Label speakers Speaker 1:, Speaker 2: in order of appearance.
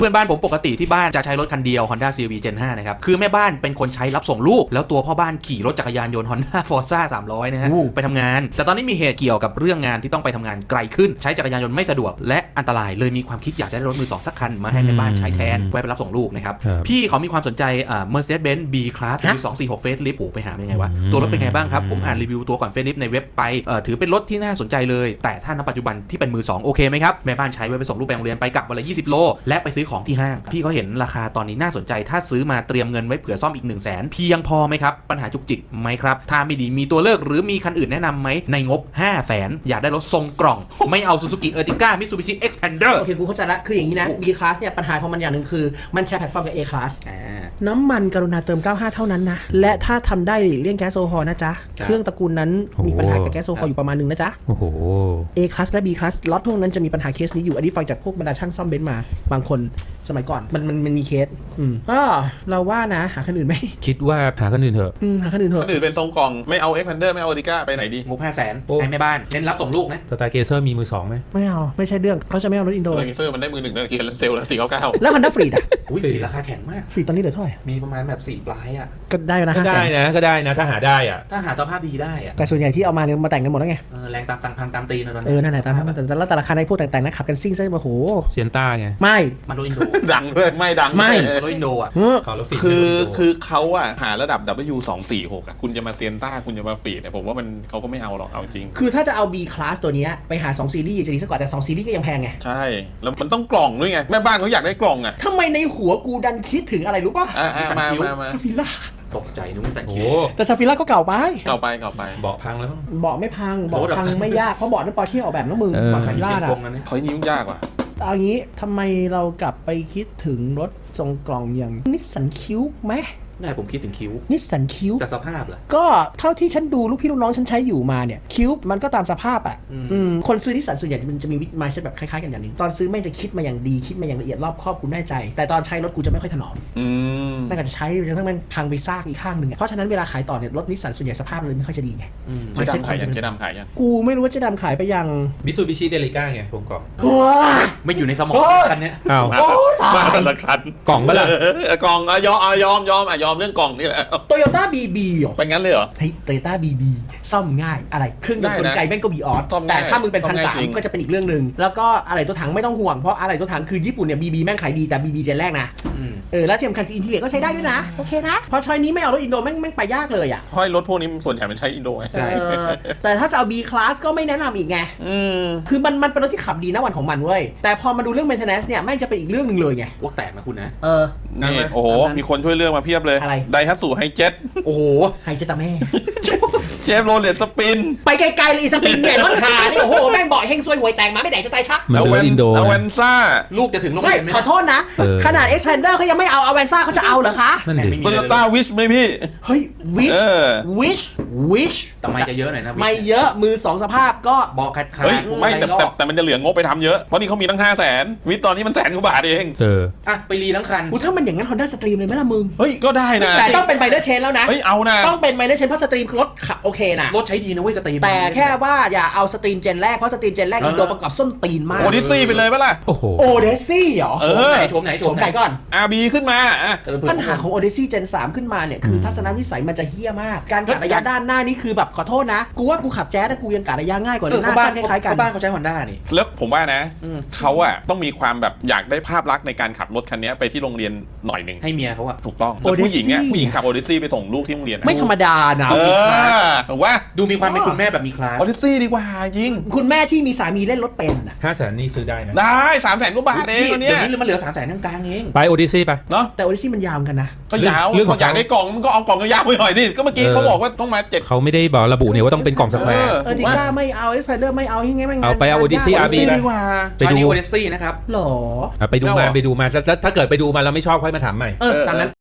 Speaker 1: พื่อนบ้านผมปกติที่บ้านจะใช้รถคันเดียว Honda CR-V Gen 5 นะครับคือแม่บ้านเป็นคนใช้รับส่งลูกแล้วตัวพ่อบ้านขี่รถจักรยานยนต์ Honda Forza 300 นะฮะไปทำงานแต่ตอนนี้มีเหตุเกี่ยวกับเรื่องงานที่ต้องไปทำงานไกลขึ้นใช้จักรยานยนต์ไม่สะดวกและอันตรายเลยมีความคิดอยากได้รถมือสองสักคันมาให้แม่บ้านใช้แทนไว้ไปรับส่งลูกนะครับพี่เขามีความสนใจMercedes-Benz B-Class ปี 246 Facelift ไปหาเป็นไงวะตัวรถเป็นไงบ้างครับผมอ่านรีวิวตัวก่อน Facelift ในเว็บไปถือเป็นรถที่น่าสนใจเลยแต่ถ้าณปัจจุบันที่เป็นมือ2โอเคไหมครับแม่บ้านใช้ไว้ไปส่งลูกไปโรงเรียนไปกลับวันละ20 โลและไปซื้อของที่ห้างพี่เขาเห็นราคาตอนนี้น่าสนใจถ้าซื้อมาเตรียมเงินไว้เผื่อซ่อมอีก 100,000 เพียงพอไหมครับปัญหาจุกจิกไหมครับถ้าไม่ดีมีตัวเลือกหรือมีคันอื่นแนะนำไหมในงบ 500,000 อยากได้รถทรงกล่องไม่เอา Suzuki Ertiga Mitsubishi Xpander
Speaker 2: โอเคกูเข้าใจละคืออย่างนี้นะ B class เนี่ยปัญหาของมันอย่างหนึ่งคือมันแชร์แพลตฟอร์มกับ A class น้ำมันกรุณาเติม95เท่านั้นนะและถ้าทำได้เลี่ยงแก๊สโซฮอล์นะจ๊ะเครื่องตระกูลนั้นมีปัญหากับแก๊สโซฮอล์อยู่ประมาณนึงนะจ๊ะ A class และ B class ล็อตพวกนั้นจะมีปัญหาเคสนี้อยู่อันนี้ฟังจากพวกบรรดาช่างซ่อมเบนซ์มาบางคนสมัยก่อนมันมีเคสเราว่านะหาคันอื่นไหม
Speaker 3: คิดว่าหาคันอื่นเถอะ
Speaker 2: หาคันอื่นเถอะ
Speaker 4: คันอื่นเป็นทรงกล่องไม่เอา Xpander ไม่เอา Ertiga ไปไหนดี
Speaker 1: งบ 500,000 ให้แม่บ้านเน้นรับส่งลูกนะ
Speaker 3: สไตล์เกเซอร์มีมือสองไหม
Speaker 2: ไม่เอาไม่ใช่เรื่องเขาจะไม่เอารถอินโด
Speaker 4: เซอร์มันได้มือหนึ่งนั่นคือเซลล์ละ499
Speaker 2: แล้วฮันด้าฟรีดอ่ะ
Speaker 1: อุ้ยราคาแข็งมาก
Speaker 2: ฟรีตอนนี้เหลือเท่าไหร่
Speaker 1: มีประมาณแบบ4 ปลายอ่ะ
Speaker 2: ก็ได้นะ
Speaker 3: ก็ได้นะถ้าหาได้อ่ะ
Speaker 1: ถ้าหาสภาพดีได้อ่ะ
Speaker 2: แต่ส่วนใหญ่ที่เอามาเนี่ยมาแต่งกันหมดแล้วไง
Speaker 1: แรงตามตังพังตามตีนนะ
Speaker 2: นั่นแหละตามแต่ละราคาในพวกแต่งๆนะขับกันซิ่งซะโอ้โห
Speaker 3: เซียนต้าไง
Speaker 2: ไม่
Speaker 1: มันโดนอินโด
Speaker 4: ดังเลยไม่ดัง
Speaker 2: ไม่
Speaker 1: รถอินโดอ่ะ
Speaker 4: คือเขาอ่ะหาระดับ W246 อ่ะคุณจะมาเซียนต้าคุณจะมาฟีดเนี่ยผมว่ามันเขาก็ไม่เอาหรอกเอาจริง
Speaker 2: คือถ้าจะเอา B class ตัวนี้ไปหา2ซีรีส์จะดีสักกว่าแต่2ซีรีส์ก็ยังแพงไง
Speaker 4: ใช่แล้วมันต้องกล่องด้วยไงแม่บ้านเขาอยากได้กล่องอ่ะ
Speaker 2: ทำไมในหัวกูดันคิดถึงอะไรรู้ป่ะ
Speaker 4: มา
Speaker 2: ซาฟิล่า
Speaker 1: ตกใจนึกว่าแต่คิว
Speaker 2: แต่ซาฟิล่าก็เก่าไป
Speaker 3: เบาะพังแล้ว
Speaker 2: เบาะไม่พังเบาะพังไม่ยากเพราะเบาะนั้นปอร์เช่ออกแบบน้องมึงเบาะซาฟิล่าอ่ะ
Speaker 4: เขายิ่งยากว่ะ
Speaker 2: เอางี้ทำไมเรากลับไปคิดถึงรถทรงกล่องอย่างนิสสันคิวไหม
Speaker 1: ได้ผมคิดถึงคิว
Speaker 2: นิสสันคิว
Speaker 1: จากสภาพเหรอ
Speaker 2: ก็เท่าที่ฉันดูลูกพี่ลูกน้องฉันใช้อยู่มาเนี่ยคิวมันก็ตามสภาพอ่ะคนซื้อนิสสันส่วนใหญ่มันจะมีวิธีมายเซ็ตแบบคล้ายๆกันอย่างนึงตอนซื้อแม่งจะคิดมาอย่างดีคิดมาอย่างละเอียดรอบคอบกูแน่ใจแต่ตอนใช้รถกูจะไม่ค่อยถนอมแม่งก็จะใช้จนทั้งมันพังไปซากอีกข้างหนึ่งเพราะฉะนั้นเวลาขายต่อเนี่ยรถนิสสันส่วนใหญ่สภาพเลยไม่ค่อยจะดีไง
Speaker 4: เจ๊ดำขายยัง
Speaker 2: กูไม่รู้ว่าเจ๊ดำขายไปยัง
Speaker 3: มิตซูบิชิเดลิก้าไงผมกล่อง
Speaker 1: ไม่อยู่ในสมองคันนี้
Speaker 3: อ้าว
Speaker 4: มาแต่ละคัน
Speaker 3: กล่องเมื่อไหร่
Speaker 4: กล่องยอมเรื่องกล่องนี่แหละ
Speaker 2: โตโยต้าบีบีเหรอ
Speaker 4: เป็นงั้นเลยเหรอ
Speaker 2: เฮ้ยโตโยต้าบีบีซ่อมง่ายอะไรเครื่องยนต์กลไกแม่งก็บีออสแต่ถ้ามึงเป็น1,300ก็จะเป็นอีกเรื่องนึงแล้วก็อะไรตัวถังไม่ต้องห่วงเพราะอะไรตัวถังคือญี่ปุ่นเนี่ยบีบีแม่งขายดีแต่บีบีเจนแรกนะแล้วที่สำคัญคืออินทีเรียก็ใช้ได้ด้วยนะโอเคนะพอช้อยนี้ไม่เอารถอินโดแม่งไปยากเลยอ่ะ
Speaker 4: เพราะรถพวกนี้ส่วนใหญ่มันใช้อินโดไง
Speaker 2: แต่ถ้าจะเอา B class ก็ไม่แนะนำอีกไงคือมันเป็นรถที่ขับดีนะวันของมันเว้ยแต่พอมาดูเรื่อง maintenance เนี่ยแม่งจะเป็นอีกเรื่องนึงเลยไง
Speaker 1: วกแตกนะคุณนะ
Speaker 4: นี่โอ้โหมีคนช่วยเลือกมาเพียบเลยไดฮัตสุไฮเจ็ต
Speaker 1: โอ้โห
Speaker 2: ไฮเจ็ตตาแม่
Speaker 4: เชฟโรเลตสปิน
Speaker 2: ไปไกลๆเลยสปินเนี่ยรถหานี่โอ้โหแม่งบ่อยเฮงซวยหวยแตกมาไม่แดกจะตายชัก
Speaker 3: เอาแ
Speaker 4: วนซ่า
Speaker 1: ลูกจะถึงโรงเรียนไหม
Speaker 2: ขอโทษนะขนาด Xpander เขายังไม่เอาแวนซ่าเขาจะเอาเหรอคะ
Speaker 4: โตโยต้าวิชไหมพี่
Speaker 2: เฮ้ยวิช
Speaker 1: แต่ไม่จะเยอะหน่อยนะ
Speaker 2: ไม่เยอะมือ2สภาพก็
Speaker 1: บอกคัด
Speaker 4: ไม่แต่มันจะเหลืองบไปทำเยอะเพราะนี่เขามีตั้ง500,000วิชตอนนี้มัน100,000 กว่าบาทเอง
Speaker 1: ไปรีทั้งคัน
Speaker 2: ถ้ามันอย่างนั้น Honda Stream เลยไหมล่ะมึง
Speaker 4: เฮ้ยก็ได้นะ
Speaker 2: แต่ต้องเป็นไมเนอร์เชนแล้วนะ
Speaker 4: เฮ้ยเอานะ
Speaker 2: ต้องเป็นไมเนอร์เชนเพราะสตรีมรถขับโอเคนะ
Speaker 1: รถใช้ดีนะเว้ยสตรีม
Speaker 2: แต่แค่ว่าอย่าเอาสตรีมเจนแรกเพราะสตรีมเจนแรกอินโดประกอบส้นตีนมาก
Speaker 4: โอเดซี่ไปเลยปะล่ะ
Speaker 2: โอเดซี่เหรอ
Speaker 1: โฉมไหน
Speaker 2: ก่อน
Speaker 4: RB ขึ้นมา
Speaker 2: ปัญหาของโอเดซี่เจน3ขึ้นมาเนี่ยคือทัศนวิสัยมันจะเฮี้ยมากการกะระยะด้านหน้านี่คือแบบขอโทษนะกูว่ากูขับแจ๊สกูยังกะระยะง่ายกว่าหน้าสั้นคล้ายๆกัน
Speaker 1: บ้านเขาใช้ Honda นี่
Speaker 4: แล้วผมว่านะเขาอะต้องมีความแบบอยากได้ภาพลักษณ์ในการขับรถคันนี้ไปที่โรงเรียนหน่อยนึง
Speaker 1: ให้เมียเขาอะ
Speaker 4: ถูกต้องผู้หญิงขับโอเดซี่ไปส่งลูกที่โรงเรียน
Speaker 2: ไม่ธรรมดานะ
Speaker 4: ถูกว่า
Speaker 1: ดูมีความเป็นคุณแม่แบบมีคลาส
Speaker 4: โอเดซี่ดีกว่าจริง
Speaker 2: คุณแม่ที่มีสามีเล่นรถเป็น
Speaker 3: อ่ะ500,000นี่ซื้อได้นะ
Speaker 4: ได้300,000 กว่าบาทเอง
Speaker 1: เดี๋ยวนี้มันเหลือ300,000กลางเอง
Speaker 3: ไปโอเดซี่ไป
Speaker 4: เนาะ
Speaker 2: แต่โอเดซี่มันยาวกันนะ
Speaker 4: ก็ยาวเรื่องอยากได้กล่องมันก็เอากล่องยาวไปหน่อยดิก็เมื่อกี้เขาบอกว่าต้องมา7
Speaker 3: เขาไม่ได้บอกระบุเนี่ยว่าต้องเป็นกล่องสแควร์
Speaker 2: ดิก้าไม่เอาXpanderไม่เอาให้ไง
Speaker 3: เอาไปเอาโอเดซี่RB
Speaker 1: ไปดูโอเดซี่นะครับ
Speaker 2: หรอ
Speaker 3: ไปดูมาถ้าเกิดไปดูมาแล้วไม่ชอบค่อยมาถามใหม่
Speaker 2: ตามนั้น